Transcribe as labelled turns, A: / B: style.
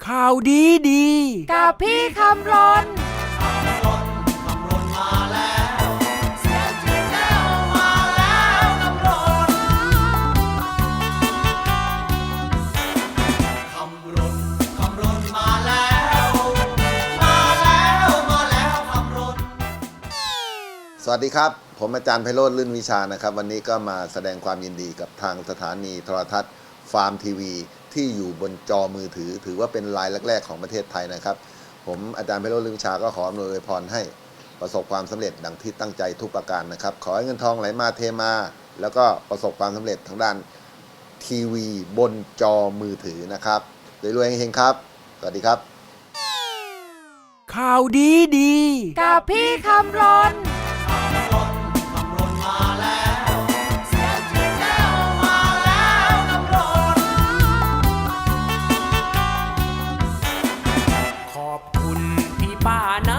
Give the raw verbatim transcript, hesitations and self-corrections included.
A: ข่าวดีดี
B: กับพี่คำรน
C: สวัสดีครับผมอาจารย์ไพโรจน์ ลื่นวิชานะครับวันนี้ก็มาแสดงความยินดีกับทางสถานีโทรทัศน์ฟาร์มทีวีที่อยู่บนจอมือถือถือว่าเป็นรายแรกๆของประเทศไทยนะครับผมอาจารย์ไพโรจน์ ลื่นวิชาก็ขออำนวยพรให้ประสบความสำเร็จดังที่ตั้งใจทุกประการนะครับขอให้เงินทองไหลมาเทมาแล้วก็ประสบความสำเร็จทางด้านทีวีบนจอมือถือนะครับรวยๆเฮงๆครับสวัสดีครับ
A: ข่าวดีดี
B: กับพี่คำรน
A: ขอบคุณพี่ป้านะ